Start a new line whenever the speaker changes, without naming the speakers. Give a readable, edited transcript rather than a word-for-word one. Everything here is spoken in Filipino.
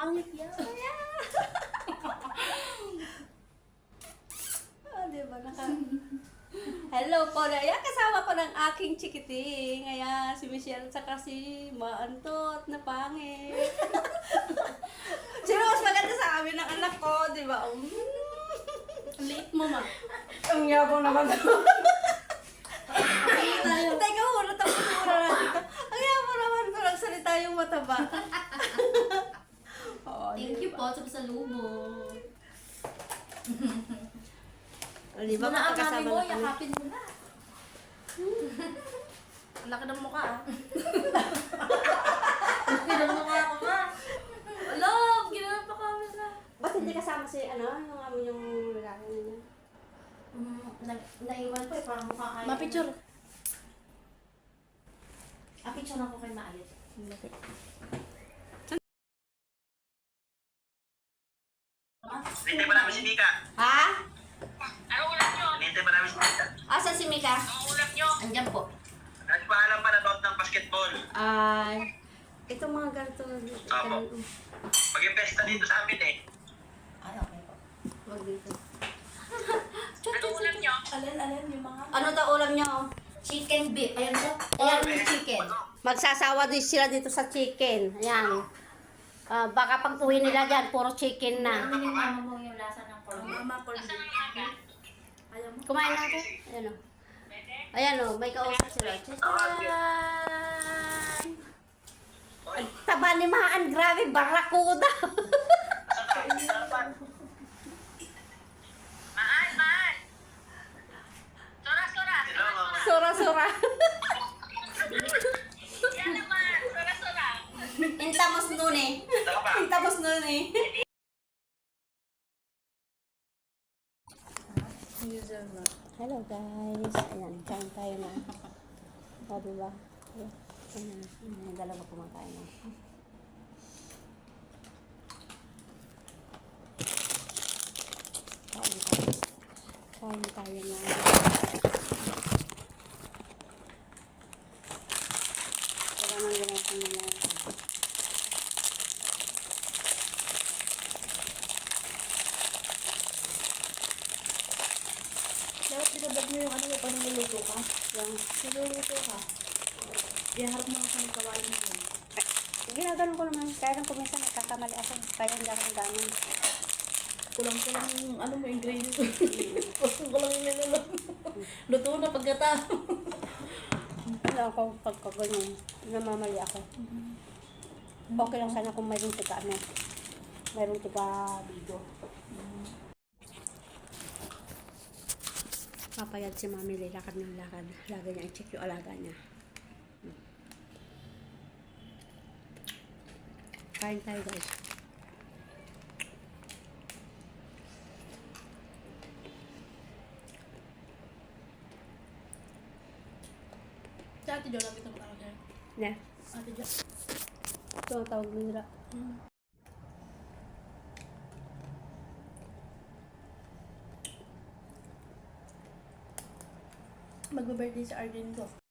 Pangit yan.
Diba? Hello po na. Ayan, kasama ko ng aking chikiting. Ayan, si Michelle at saka si Maantot na pangit. Sino mas maganda sa amin ng anak ko, di ba?
Ang liit mo, ma.
Ang yabang naman. Teka, muna tapos muna na dito. Ang yabang naman ko nagsalita yung mataba. Oh,
Thank you po sa pasalubong.
Di ba
Muna ang mami
magkakasama
mo,
na kami?
yakapin mo na. Ang laki ng mukha, ah. Laki ng mukha ko, ma. Love, ginawa pa kami na.
Ba't hindi kasama si, yung amo yung lalaki niya?
Naiwan ko eh, parang mukha kayo.
Ma-picture.
Picture ako kay Maalit.
Hinintay pa namin si Mika.
Ha?
Hinintay pa namin si Mika.
Asan si Mika?
Andiyan po.
Nagpaalam pa na about ng basketball.
Ay, itong mga ganito.
Apo. Mag-impesta dito sa amin eh.
Ay, okay po.
Wag dito.
Alin yung mga...
Ano daw ulam niyo?
Chicken beef. Ayan po. Ayan yung chicken.
Magsasawa din sila dito sa chicken. Ayan. Baka pag uwi nila dyan, puro chicken na.
Ano yung mama mo yung lasa ng corn beef?
Mama, corn beef. Ayaw mo?
Kumain na ako. Ayan o. Ayan o, may kausap sila. Chicharan! Ang taba ni Maan, grabe, barakuda. Sura-sura. Intamos nun eh. Intamos nun eh. Hello guys. Ayan, kain tayo na. O, diba? Ayan, dalawa kumakain na. Kain tayo. Kain tayo na. Wala nang ginagawa nila.
Dapat pinabag mo yung ano mo, pag niluluto ka.
Yung,
Niluluto ka. Iharap mo ako ng kawain mo.
ginaganon ko naman. Kaya lang kuminsan nagkakamali ako. Kaya hindi ako ganon.
Kulang-kulang yung ano mo, ingredients mo. Kulang yung niluluto. Luto na pagkatapos.
Ano ako pagkaganyan. Namamali ako. Okay lang sana kung mayroong tiga ano. Mayroong tiga video. Papayad si Mami lilakad ng lakad. Lagi niya i-check yung alaga niya. Kain tayo guys.
Si Ate Jo, lapit ang tawag niya.
Ne?
Ate Jo.
Ito ang tawag nila.
Magbe-birthday si Arden ko.